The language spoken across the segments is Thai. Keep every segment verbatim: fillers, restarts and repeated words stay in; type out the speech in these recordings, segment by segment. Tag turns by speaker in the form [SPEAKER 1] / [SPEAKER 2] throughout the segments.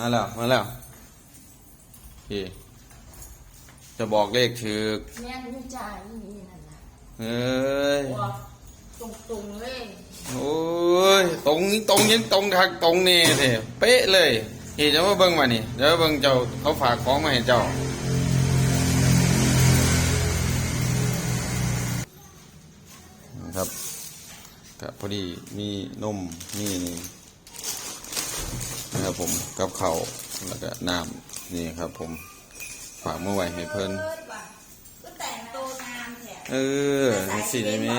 [SPEAKER 1] มาแล้วมาแล้วโอเคจะบอกเลขถือ
[SPEAKER 2] แม่นจ่ายนี่นั่นน่ะ
[SPEAKER 1] เอ้ย
[SPEAKER 2] ตรงตรงเลย
[SPEAKER 1] โอ้ยตรงตรงยังตรงทักตรงนี่เถอะเป๊ะเลยนี่จะมาเบิ่งมานี่เดี๋ยวเบิ่งเจ้าเขาฝากของมาให้เจ้าครับก็พอดีมีนมมีนี่นะครับผมกับข้าวแล้วก็น้ำนี่ครับผมฝากเมื่อไหร่ให้เพิ่น
[SPEAKER 2] ก็แต่งตัวงามแท้
[SPEAKER 1] เออสิได้ไหม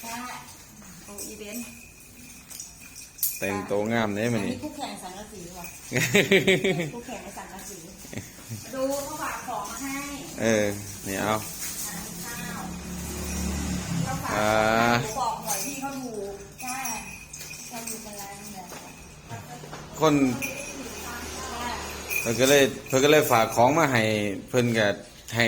[SPEAKER 1] แต่งตัวงามเนี่ยมันนี่
[SPEAKER 2] คู่แข่งสังกะสีว่ะคู่แข่งในสังกะสีดูเขาฝากของมาให้
[SPEAKER 1] เออนี่เอา
[SPEAKER 2] อ่าบอกหน่อยที่เขาถูกใช่เขาถูกกันแล้วเนี่ย
[SPEAKER 1] คนเพิ่นก็เลยเพิ่นก็เลยฝากของมาให้เพิ่นก็ให้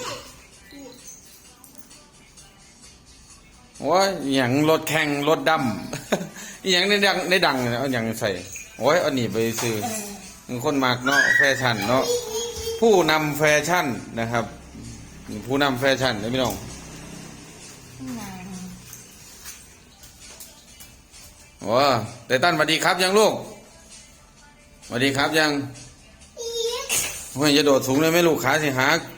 [SPEAKER 1] ว่าอย่างรถแข่งรถดำอย่างในดังในดังเอาอย่างใส่โอ้ยเอาหนีไปซื้อคนมากเนาะแฟชั่นเนาะผู้นำแฟชั่นนะครับผู้นำแฟชั่นเลยพี่น้องว้าไตตันสวัสดีครับยังลูกสวัสดีครับยังไม่จะโดดสูงเลยไหมลูกขาสิหัก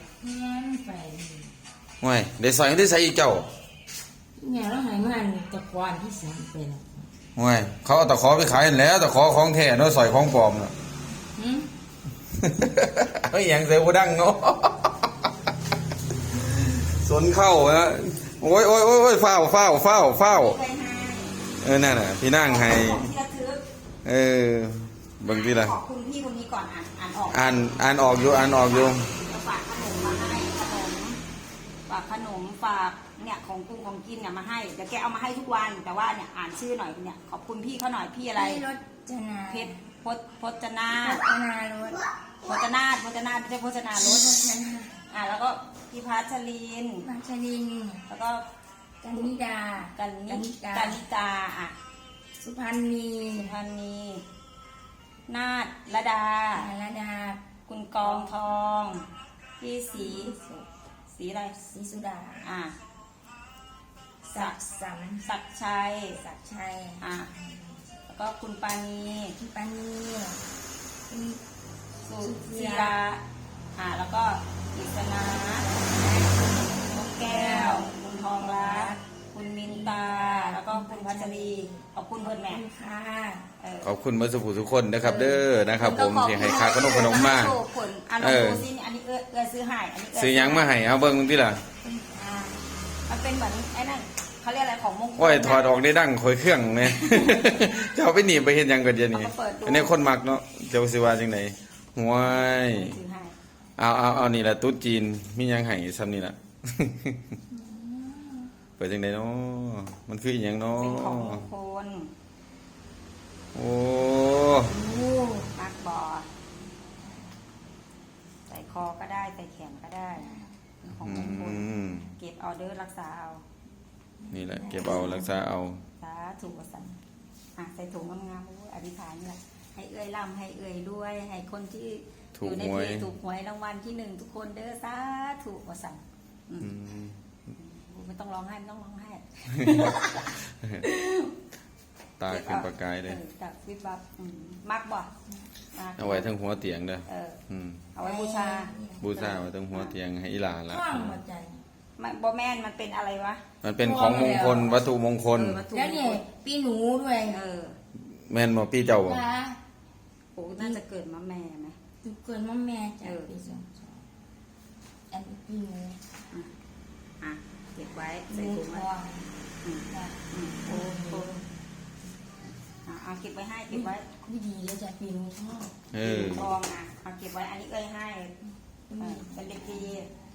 [SPEAKER 1] ไม่ได้ใส่ได้ใส่อีกเจ้า
[SPEAKER 2] เนี่ยเราหายมันตะกวานที่สามเป็น
[SPEAKER 1] ไม่เขาเอาตะขอไปขายแล้วตะขอของแท้เนาะใส่ของปลอมเนาะไม่อย่างเซลล์ดังเนาะสนเข้านะโอ้ยโอ้ยโอ้ยเฝ้าเฝ้าเฝ้าเฝ้าเออนั่นน่ะพี่นั่งให้เออบางทีละ
[SPEAKER 2] ขอบคุณพี่คนนี้ก่อนอ่านอ่านออก
[SPEAKER 1] อ่านอ่านออกอยู่อ่านออกอยู่
[SPEAKER 2] ฝากขนมมาให้ขนมฝากขนมฝากเนี่ยของกุ้งของกินเนี่ยมาให้เดี๋ยวแกเอามาให้ทุกวันแต่ว่าเนี่ยอ่านชื่อหน่อยเนี่ยขอบคุณพี่เขาหน่อยพี่อะไร
[SPEAKER 3] รจนา
[SPEAKER 2] เพชรพจพจนา
[SPEAKER 3] พจนารถ
[SPEAKER 2] พจนาพจนาไม่ใช่พจนารถอ่าแล้วก็พี่พัชริน
[SPEAKER 3] พัชริน
[SPEAKER 2] แล้วก็
[SPEAKER 3] กันนิดา
[SPEAKER 2] กันนิกันนิกาอ่ะ
[SPEAKER 3] สุพรรณี
[SPEAKER 2] สุพรรณีนาฏระดา
[SPEAKER 3] ระดา
[SPEAKER 2] คุณกองทองพี่สีสีอะไร
[SPEAKER 3] สีสุดา
[SPEAKER 2] อ่ะ
[SPEAKER 3] ศักสรร
[SPEAKER 2] ศักชัย
[SPEAKER 3] ศักชัย
[SPEAKER 2] อ่ะแล้วก็คุณปานี
[SPEAKER 3] คุณปานี
[SPEAKER 2] สุศิลาอ่ะแล้วก็อิสนานกแก้วคุณทองรักคุณมินตาแล้วก็คุณพัชรีขอบคุณเพื่อนแม่
[SPEAKER 3] ค่ะ
[SPEAKER 1] ขอบคุณเมื่อสักครู่ทุกคนนะครับเด้อนะครับผมที่ให้ค่าขนมขนมมาก
[SPEAKER 2] เอออันนี้เอื้อเอื้อซื้อให้อันนี้
[SPEAKER 1] ซื้อยังมาให้เอาเบิ้งที่ล่ะ
[SPEAKER 2] มันเป็นเหมือนไอ้นั่นเขาเรียกอะไรของมงคล
[SPEAKER 1] โอ้ยถอดออกได้ดั้งคอยเครื่องเนี่ยจะเอาไปหนีไปเห็นยังกันเดี๋ยวนี้อันนี้คนมักเนาะเจ้าสิว่าจังไหนห่วยเอาเอาเอานี่แหละตุ๊ดจีนมียังไห้ซ้ำนี่แหละเปิดจังไหนเนาะมันคืออย่างเนาะ
[SPEAKER 2] เป็นของมงคล
[SPEAKER 1] โอ้
[SPEAKER 2] มักบอใส่คอก็ได้ใส่แขนก็ได้ของมงคลเก็บออเดอร์รักษาเอา
[SPEAKER 1] นี่แหละเก็บเอารักษาเอา
[SPEAKER 2] สาถูกสั่นอ่ะใส่ถุงงามๆอธิษฐานนี่แหละให้เอื้อยร่ำให้เอื้อยด้วยให้คนที่อยู่ในเพลถูกหวยรางวัลที่หนึ่งทุกคนเด้อสาถูกสั่นไม่ต้องร้องไห้ไม่ต้องร้องไห้
[SPEAKER 1] ตาขึ้นประกายเลย
[SPEAKER 2] จากวิบวับมักบ่
[SPEAKER 1] เอาไว้ทั้งหัวเตียงเด้อ
[SPEAKER 2] เอาไว้บูชา
[SPEAKER 1] บูชาไว้ทั้งหัวเตียงให้อีหลาละ
[SPEAKER 2] บ่แม่นมันเป็นอะไรวะ
[SPEAKER 1] มันเป็นของมงคลวัตถุมงคล
[SPEAKER 3] แล้วเนี่ยปีหนูด้วย
[SPEAKER 2] เออ
[SPEAKER 1] แม่นบ่ปีเจ้าบ่
[SPEAKER 2] โอ้น่าจะเกิดมาแม่ไหม
[SPEAKER 3] เกิดมาแม่จ้ะปีสองสองอันนี้ปีหนู
[SPEAKER 2] อ่ะเก็บไว้ใส่ถุงไว้โอ้โหเอาเก็บไว้ให้เก็บไว้
[SPEAKER 3] ไม่ดีเลยจ้ะปีหนูชอบ
[SPEAKER 1] เออ
[SPEAKER 2] ทองอ่ะเอาเก็บไว้อันนี้เอ้ยให้เป็นเด็กดี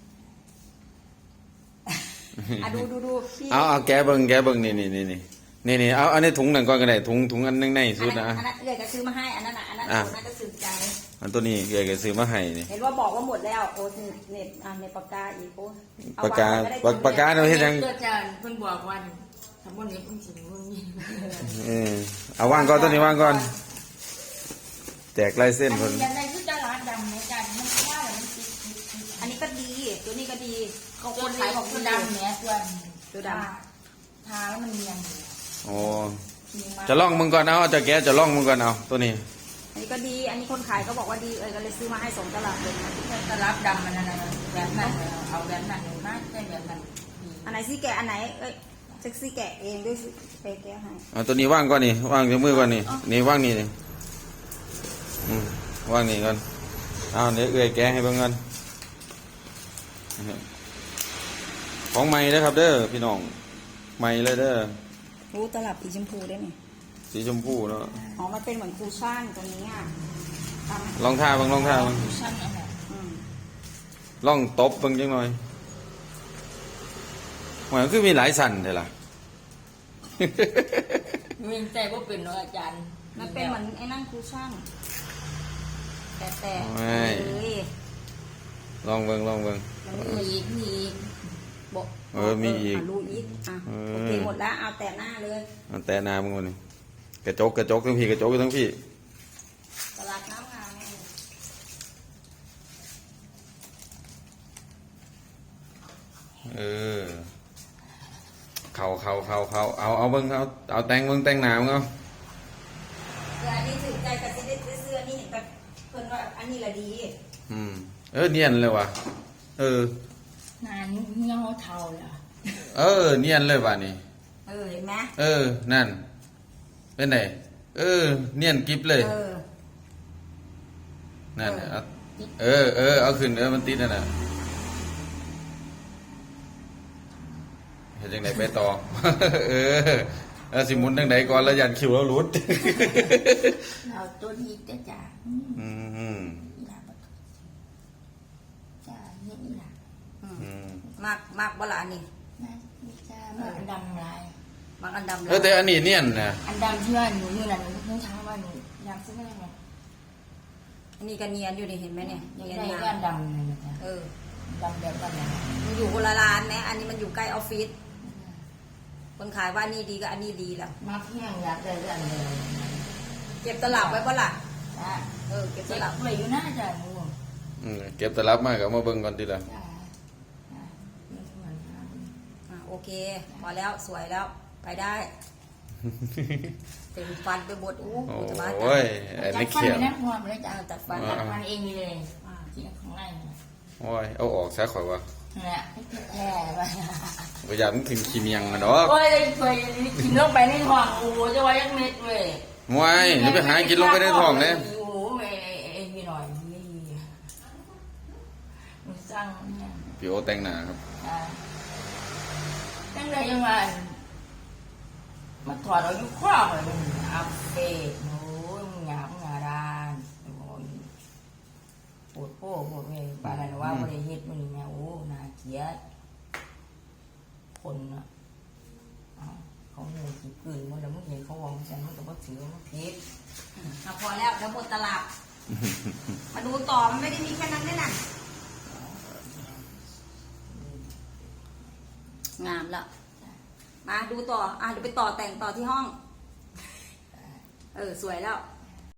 [SPEAKER 2] อ่ะดูดูดู
[SPEAKER 1] เอาเอาแกเบิ้งแกเบิ้งนี่นี่นี่นี่นี่นี่เอาอันนี้ถุงหนึ่งก้อนก็ได้ถุงถุงอันนึงในสุดนะ
[SPEAKER 2] อันนั้นเอ้ยก็ซื้อมาให้อันนั้นอ่ะอันนั้นอันนั้นก็ซื้อใจ
[SPEAKER 1] อันตัวนี้เอ้ยก็ซื้อมาให้นี่
[SPEAKER 2] เห็นว่าบอกว่าหมดแล้วโอ้เน็ตอ่ะในปากกาอีกโอ้
[SPEAKER 1] ปากกาปากกาเราเห็นยัง
[SPEAKER 3] อาจารย์เพิ่นบอกว่าทำบนนี้เพิ่นสิเพิ่นมี
[SPEAKER 1] เออเอาวางก่อนตัวนี้วางก่อนแจกลายเส้น
[SPEAKER 3] อัน
[SPEAKER 1] คน
[SPEAKER 3] นี้ยังได้ยุตลาดดำเหมือนกันมันว่าแล้วมันติดติดติด
[SPEAKER 2] อันนี้ก็ดี ตัวนี้ก็ดีเขา
[SPEAKER 3] ตั
[SPEAKER 2] คว น
[SPEAKER 3] ขา
[SPEAKER 2] ขาย ย
[SPEAKER 3] ข
[SPEAKER 2] ข
[SPEAKER 3] อ
[SPEAKER 2] อง ง
[SPEAKER 3] ตั
[SPEAKER 2] ตัว ว
[SPEAKER 3] ดำ
[SPEAKER 2] ดำ
[SPEAKER 3] เนี่ยตัว
[SPEAKER 2] ตัวด
[SPEAKER 3] ทาแล้วมันเนียนอยู่
[SPEAKER 1] โอ้
[SPEAKER 3] มีมา
[SPEAKER 1] จะล่องมึงก่อนเอาจะแกะจะล่องมึงก่อนเอาตัวนี้
[SPEAKER 2] อันนี้ก็ดี อันนี้คนขายก็บอกว่าดีเอ้ยก็เลยซื้อมาให้สองตลับเลย
[SPEAKER 3] ตลาดดำมันอะไรแบบนั้นเลยเอาแบบนั้นเลยมากใช่แบบนั้นดี
[SPEAKER 2] อันไหนซี่แกะอันไหนเอ้ยเซ็กซี่แกะเองด้วยสิไปแกะให้
[SPEAKER 1] เอาตัวนี้ว่างก่อนนี่ว่างจากมือก่อนนี่นี่ว่างนี่นี่อืมว่างนี่ก่อนเอาเดี๋ยวเอื้อยแกะให้เบิ่งกันของใหม่เด้อครับ เด้อพี่น้องใหม่เลยเด้อ
[SPEAKER 2] รู้ตลับสีชมพูได้ไหม
[SPEAKER 1] สีชมพูเนาะ
[SPEAKER 2] อ๋อมันเป็นเหมือนคูชั่นตัวนี้อ่ะทำ
[SPEAKER 1] ลองท่าเบิ่งลองท่าเบิ่ง
[SPEAKER 3] ชั่นอะไร
[SPEAKER 2] อืม
[SPEAKER 1] ลองตบเบิ่งจังหน่อยหมายคือมีหลายสั่นเด้อล่ะ
[SPEAKER 3] มีใจว่าเป็นน้องอาจารย์
[SPEAKER 2] มันเป็นเหมือนไอ้นั่นคูชั่นแต่แต่
[SPEAKER 1] ไม่
[SPEAKER 2] เอ้ย
[SPEAKER 1] ลองเบิ่งลองเบิ่ง
[SPEAKER 3] มีอีกมีอีก
[SPEAKER 2] บอก
[SPEAKER 1] เออมีอีก
[SPEAKER 2] ะรู้อีกอ่ะ
[SPEAKER 1] เออ
[SPEAKER 2] โอเคหมดแล้วเอาแต่หน้าเลย
[SPEAKER 1] เอาแต่หนามึงก่อนนี่กระจกกระจกทั้งพี่กระจกทั้งพี่
[SPEAKER 2] ตลาดน้ำงามไง
[SPEAKER 1] เออเขาเขาเขาเขาเอาเอาเบิ่งเอาเอาแต่งเบิ่งแต่งหนามึงเอา
[SPEAKER 2] คืออันนี้ถึงใจกับจะได้เสื้อนี่เห็นแต่เพิ่นว่าอันนี้ละดี
[SPEAKER 1] อืมเออเนียนเลยว่ะเออ
[SPEAKER 3] นานเงี้ยวเทาเลย
[SPEAKER 1] เออ เนียนเลยว่ะนี่
[SPEAKER 2] เออเห็นไหม
[SPEAKER 1] เออนั่น เป็นไงเออ เนียนกิฟเลย
[SPEAKER 2] เออ
[SPEAKER 1] นั่นน่ะเอาเออเออเอาขึ้นเออมันติดนั่นน่ะเห็นจังไหนไปต่อ เออเอาสิหมุนจังไหนก่อนแล้วยันคิวแล้วหลุด
[SPEAKER 3] เราตัวนี้จะจ่า
[SPEAKER 1] อืม
[SPEAKER 3] อีหลาบจ่าเงี้ยอีหลา
[SPEAKER 2] อืม
[SPEAKER 1] อืม
[SPEAKER 2] มากมากบ่ละอันนี้
[SPEAKER 3] นะมีจ่ามาอันดำลาย
[SPEAKER 2] มากอันดำเล
[SPEAKER 1] เออย แต่อันนี้เนียนนะ
[SPEAKER 3] อันดำที่ว่าหนูมือนั้นหนูเพิ่งช้าว่าหนูยำซื้อไม่ได้ไง
[SPEAKER 2] อันนี้ก็เนียนอยู่นี่เห็นไหมเนี่ย
[SPEAKER 3] ยัง
[SPEAKER 2] เนียน
[SPEAKER 3] ได้
[SPEAKER 2] งา
[SPEAKER 3] ก้าม นดำเลยนะจ๊ะ
[SPEAKER 2] เออ
[SPEAKER 3] ดำแบบดำแบบ
[SPEAKER 2] มันอยู่คนละร้านนะอันนี้มันอยู่ใกล้ออฟฟิศคนขายว่านี่ดีก็อันนี้ดีแล้ว
[SPEAKER 3] มาเพียงอยากได้เรื่องเลย
[SPEAKER 2] เก็บตลับไว้บ่ล่ะ
[SPEAKER 3] จ้า
[SPEAKER 2] เออเก็บต
[SPEAKER 3] เจ็บ
[SPEAKER 2] ลับ
[SPEAKER 3] เลยอยู่น่าจะงู
[SPEAKER 1] อืมเก็บตลับมากับมาเบิ่งก่อนทีละ
[SPEAKER 3] จ้าจ้าไม่เหมือนกัน
[SPEAKER 2] อ่ะโอเค พอแล้วสวยแล้วไปได้เต็มฟันไปหมดอู้
[SPEAKER 1] โอ
[SPEAKER 2] หูจะบ้า
[SPEAKER 1] ้ยอัน
[SPEAKER 3] จั
[SPEAKER 1] นี้
[SPEAKER 3] ดฟัน
[SPEAKER 1] เขีย
[SPEAKER 3] ไป
[SPEAKER 1] ว
[SPEAKER 3] นะพอไปแล้วจ้า
[SPEAKER 2] จัดฟัน
[SPEAKER 3] จัดฟันเองเลย
[SPEAKER 2] อ่า
[SPEAKER 3] ที่ข้างในนี่
[SPEAKER 1] โอ้ยเอาออกซะข่อยว่า
[SPEAKER 3] แหละแค่ไป
[SPEAKER 1] บ่อยากมันถึงขี้เมียงนะดอก
[SPEAKER 3] โอ้ยเลยเคยกินลงไปในท้องโอ้โหจะว่ายังเม็ดเว้ย
[SPEAKER 1] มวยนี่ไปหากินลงไปในท้องเลย
[SPEAKER 3] โอ้โหไอ้ไอ้พี่หน่อยนี่มันสร้างเนี่ย
[SPEAKER 1] พี่โอแต่งหน้าครับ
[SPEAKER 3] อ่าตั้งแต่ยังไงมาถอดเอายุคว้าเลยมันอัพเดตโอ้ยมึงหยาบมึงหยาดานโอ้ยปวดโป้ปวดเว้ยปานนั้นว่าบริเฮ็ดมันนี่แม่โอ้น่าเกลียดคนอ่ะเอ้าเขาเงินกี่ปืนมันแล้วมึงเห็นเขาวางฉันมันก็บ่ถือมันผิด
[SPEAKER 2] อ่ะพอแล้วเดี๋ยวหมดตลับ มาดูต่อมันไม่ได้มีแค่นั้นแน่น่ะงามแล้วมาดูต่ออ่ะเดี๋ยวไปต่อแต่งต่อที่ห้อง เออสวยแล้ว